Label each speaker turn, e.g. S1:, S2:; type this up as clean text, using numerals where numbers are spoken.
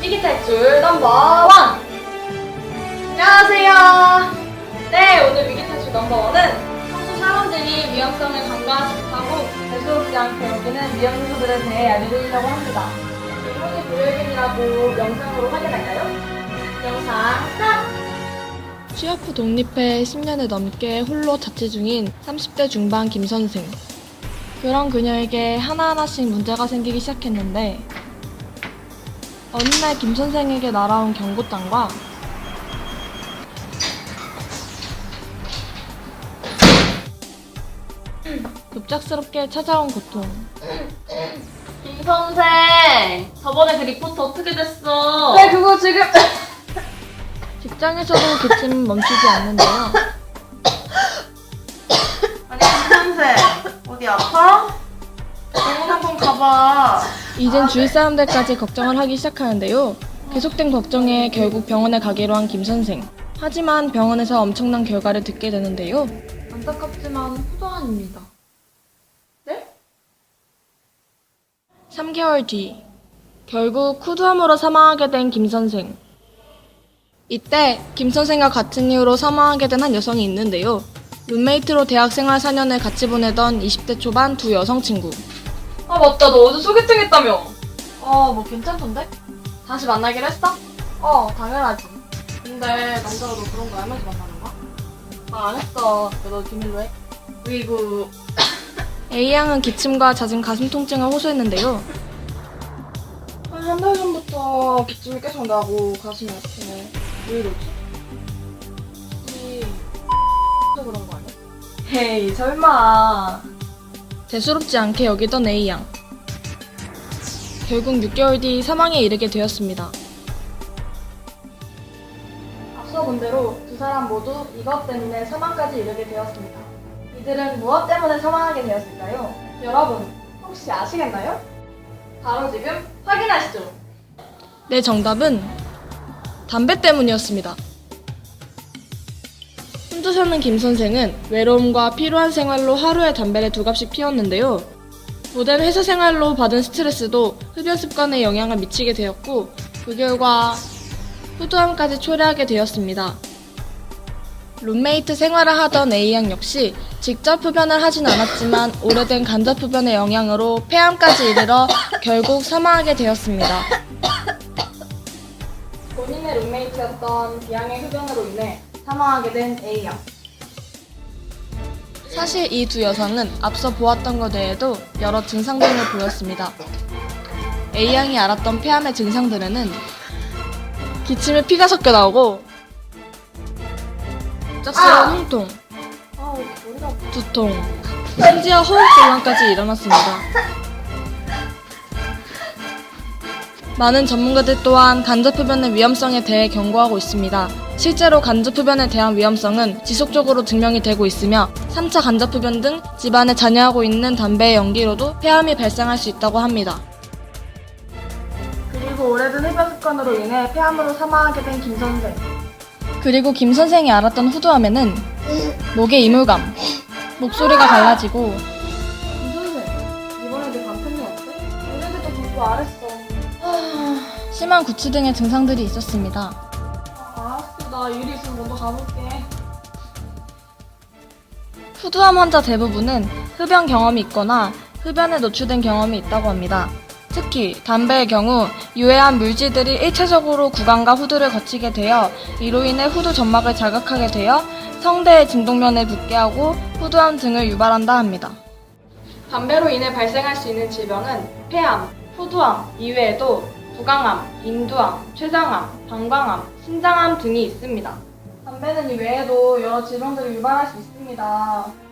S1: 위기 탈출 넘버 1! 안녕하세요. 네, 오늘 위기 탈출 넘버 1은 평소 사람들이 위험성을 간과하지 못하고 대수롭지 않게 여기는 위험 요소들에 대해 알려드리려고 합니다. 기분이 불여일견이라고 영상으로 확인할까요? 영상 스타트!
S2: 취업 후 독립해 10년을 넘게 홀로 자취 중인 30대 중반 김 선생. 그런 그녀에게 하나하나씩 문제가 생기기 시작했는데 어느 날 김 선생에게 날아온 경고장과 급작스럽게 찾아온 고통.
S3: 김 선생, 저번에 그 리포트 어떻게 됐어?
S1: 네, 그거 지금
S2: 직장에서도 기침은 멈추지 않는데요.
S3: 아니 김 선생, 어디 아파? 병원 한번 가봐.
S2: 이젠 주위 사람들까지 걱정을 하기 시작하는데요. 계속된 걱정에 결국 병원에 가기로 한 김 선생. 하지만 병원에서 엄청난 결과를 듣게 되는데요. 안타깝지만 후도환입니다.
S1: 네?
S2: 3개월 뒤, 결국 후두암으로 사망하게 된 김 선생. 이때 김 선생과 같은 이유로 사망하게 된 한 여성이 있는데요. 룸메이트로 대학생활 4년을 같이 보내던 20대 초반 두 여성 친구.
S1: 아 맞다, 너 어제 소개팅 했다며. 뭐 괜찮던데? 다시 만나기로 했어? 당연하지. 근데 남자가 너 그런 거 알면서 만나는 거야? 안 했어. 너 비밀로 해. 으이구.
S2: A양은 기침과 잦은 가슴 통증을 호소했는데요.
S1: 한 달 전부터 기침이 계속 나고 가슴이 아프네. 왜 이러지? 혹시 그런 거 아니야? 헤이, 설마.
S2: 대수롭지 않게 여기던 A양. 결국 6개월 뒤 사망에 이르게 되었습니다.
S1: 앞서 본 대로 두 사람 모두 이것 때문에 사망까지 이르게 되었습니다. 이들은 무엇 때문에 사망하게 되었을까요? 여러분, 혹시 아시겠나요? 바로 지금 확인하시죠.
S2: 네, 정답은 담배 때문이었습니다. 혼자 사는 김 선생은 외로움과 피로한 생활로 하루에 담배를 2갑씩 피웠는데요. 고된 회사 생활로 받은 스트레스도 흡연 습관에 영향을 미치게 되었고 그 결과 후두암까지 초래하게 되었습니다. 룸메이트 생활을 하던 A양 역시 직접 흡연을 하진 않았지만 오래된 간접 흡연의 영향으로 폐암까지 이르러 결국 사망하게 되었습니다.
S1: 본인의 룸메이트였던 B양의 흡연으로 인해 사망하게 된 A양.
S2: 사실 이 두 여성은 앞서 보았던 것 외에도 여러 증상들을 보였습니다. A양이 앓았던 폐암의 증상들에는 기침에 피가 섞여 나오고 갑작스러운 흉통,
S1: 머리가 아파.
S2: 두통, 심지어 호흡곤란까지 일어났습니다. 많은 전문가들 또한 간접흡연의 위험성에 대해 경고하고 있습니다. 실제로 간접흡연에 대한 위험성은 지속적으로 증명이 되고 있으며 3차 간접흡연 등 집안에 잔여하고 있는 담배의 연기로도 폐암이 발생할 수 있다고 합니다.
S1: 그리고 오래된 흡연 습관으로 인해 폐암으로 사망하게 된 김 선생.
S2: 그리고 김 선생이 앓았던 후두암에는 목에 이물감, 목소리가 갈라지고
S1: 김 선생, 이번에 내 간편이 어때? 오늘도 공부 안 했어.
S2: 심한 구취 등의 증상들이 있었습니다.
S1: 알았어, 나 일이 있으면 먼저 가볼게.
S2: 후두암 환자 대부분은 흡연 경험이 있거나 흡연에 노출된 경험이 있다고 합니다. 특히 담배의 경우 유해한 물질들이 일차적으로 구강과 후두를 거치게 되어 이로 인해 후두 점막을 자극하게 되어 성대의 진동면을 붓게 하고 후두암 등을 유발한다 합니다.
S1: 담배로 인해 발생할 수 있는 질병은 폐암, 후두암 이외에도 구강암, 인두암, 췌장암, 방광암, 신장암 등이 있습니다. 담배는 이외에도 여러 질병들을 유발할 수 있습니다.